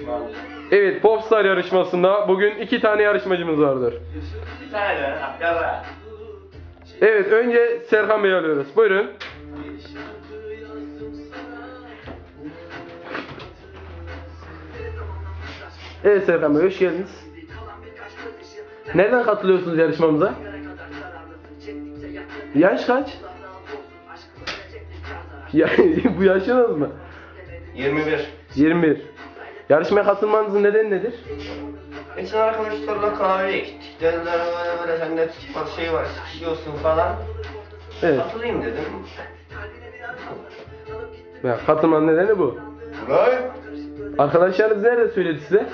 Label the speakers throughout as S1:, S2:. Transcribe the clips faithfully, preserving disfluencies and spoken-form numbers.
S1: yarışma.
S2: Evet, Popstar yarışmasında bugün iki tane yarışmacımız vardır.
S1: Bir tane de yara.
S2: Evet, önce Serkan Bey'i alıyoruz. Buyurun. Evet Serkan Bey, hoş geldiniz. Nereden katılıyorsunuz yarışmamıza? Yaş kaç? Ya, bu yaşınız mı?
S1: yirmi bir.
S2: yirmi bir. Yarışmaya katılmanızın nedeni nedir?
S1: Geçen arkadaşlarla kahveye gittik. Dediler böyle böyle sende var şey var, sıkışıyorsun falan.
S2: Evet.
S1: Katılayım dedim.
S2: Ya, katılmanın nedeni bu.
S1: Ulan!
S2: Arkadaşlarınız nerede söyledi size?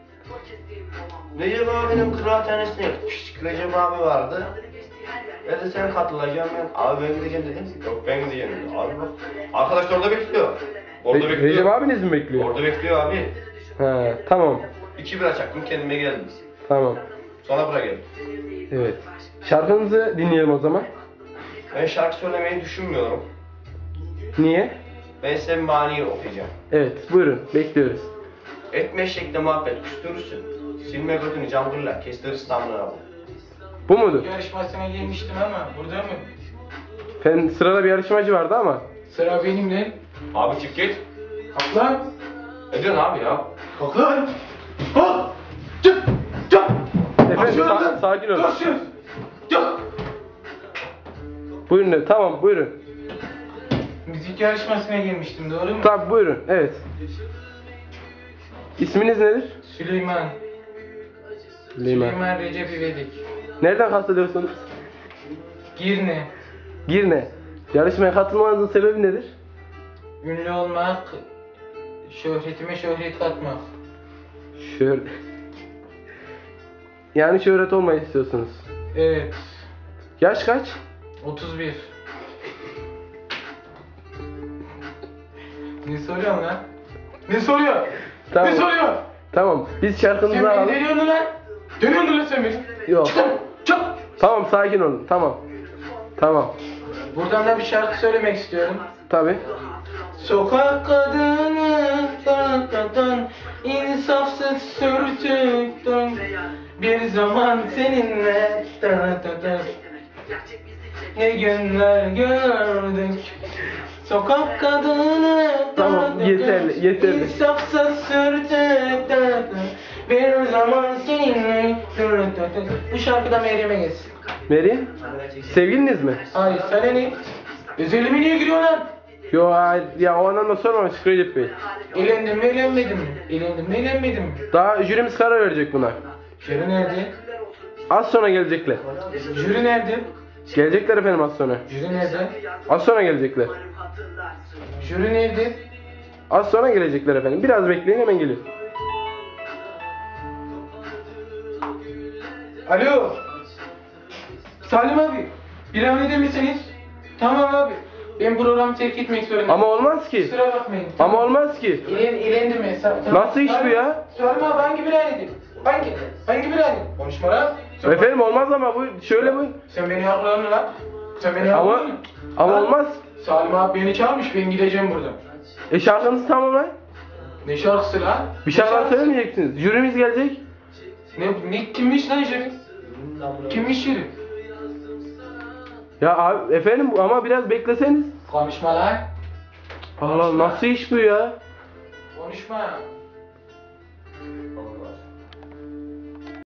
S1: Recep abinin kıraathanesine gitmiştik. Recep abi vardı. Dedi sen katılacaksın ben. Abi ben gideceğim dedim. Yok ben gideceğim dedi. Abi bak. Arkadaş orada bekliyor. Orada
S2: Re-
S1: bekliyor.
S2: Recep abiniz mi bekliyor?
S1: Orada bekliyor abi.
S2: He, tamam.
S1: İki bira çaktım kendime geldim.
S2: Tamam.
S1: Sonra buraya geldim.
S2: Evet. Şarkınızı dinleyelim o zaman.
S1: Ben şarkı söylemeyi düşünmüyorum.
S2: Niye?
S1: Ben size bir maniyi okuyacağım.
S2: Evet, buyurun. Bekliyoruz.
S1: Etme eşekle muhabbet küstürürsün. Silme götünü cambırla kestir İstanbul'a.
S2: Bu mudur?
S3: Yarışmasına girmiştim ama burada mı?
S2: Efendim, sırada bir yarışmacı vardı ama.
S3: Sıra benimle.
S1: Abi çık git.
S3: Kalk lan.
S1: Ne diyorsun abi ya?
S3: Kalk lan. Kalk. Çık. Çık.
S2: Efendim,
S3: Aşağı
S2: sa-
S3: lan.
S2: sakin olun.
S3: Koşuyoruz. Çık.
S2: Buyurun, de, tamam buyurun.
S3: Müzik yarışmasına girmiştim, doğru mu?
S2: Tamam buyurun, evet. İsminiz nedir?
S3: Süleyman.
S2: Süleyman.
S3: Süleyman Recep İvedik.
S2: Nereden katılıyorsunuz?
S3: Girne.
S2: Girne. Yarışmaya katılmanızın sebebi nedir?
S3: Ünlü olmak, şöhretime şöhret katmak.
S2: Şöyle. Yani şöhret olmayı istiyorsunuz.
S3: Evet.
S2: Yaş kaç?
S3: otuz bir. Ne soruyorsun lan? Ne soruyor?
S2: Tamam.
S3: Ne soruyor?
S2: Tamam. Biz şarkınızı
S3: Sen beni
S2: alalım.
S3: deniyorsun lan. Deniyorsun lan sen beni.
S2: Yok.
S3: Çık. Çık.
S2: Tamam, sakin olun. Tamam. Tamam.
S3: Buradan da bir şarkı söylemek istiyorum.
S2: Tabii.
S3: Sokak kadını taraftan insafsız sürtüktüm. Bir zaman seninle taraftan ne günler gördük. Sokak kadını
S2: Tamam,
S3: taraftan
S2: yeterli, yeterli.
S3: insafsız sürtüktüm. Bir zaman seninle taraftan. Bu şarkıda Meryem'e geçsin.
S2: Meryem? Sevgiliniz mi?
S3: Hayır, sana ne? Özelime niye giriyor lan?
S2: Yo, hayır. Ya o anlamda sormamış Recep Bey.
S3: Eğlendim mi eğlenmedim mi? Eğlendim mi eğlenmedim mi?
S2: Daha jürimiz karar verecek buna.
S3: Jüri nerede?
S2: Az sonra gelecekler.
S3: Jüri nerede?
S2: Gelecekler efendim az sonra.
S3: Jüri nerede?
S2: Az sonra gelecekler.
S3: Jüri nerede?
S2: Az sonra gelecekler efendim. Biraz bekleyin, hemen geliyor.
S3: Alo. Salim abi. Bir an eder misiniz? Tamam abi. Ben programı terk etmek zorundayım.
S2: Ama olmaz ki.
S3: Kusura bakmayın.
S2: Ama olmaz ki.
S3: İlen, eğlendim mi? Sa-
S2: Nasıl iş bu ya?
S3: Salim abi hangi bir an Hangi? Hangi bir an Konuşma lan. Sen-
S2: Efendim olmaz ama bu şöyle bu.
S3: Sen beni haklıydın lan. Sen beni
S2: Ama
S3: haklıydın.
S2: ama
S3: Lan,
S2: olmaz.
S3: Salim abi beni çağırmış, ben gideceğim buradan.
S2: E şarkınızı tamamlayın.
S3: Ne şarkısı lan?
S2: Bir
S3: Ne
S2: şarkı
S3: şarkısı?
S2: söylemeyeceksiniz. Jürimiz gelecek.
S3: Ne, ne kimmiş lan jüri? Kimmiş jüri?
S2: Ya abi, efendim ama biraz bekleseniz.
S3: Konuşma lan.
S2: Allah, nasıl iş bu ya?
S3: Konuşma.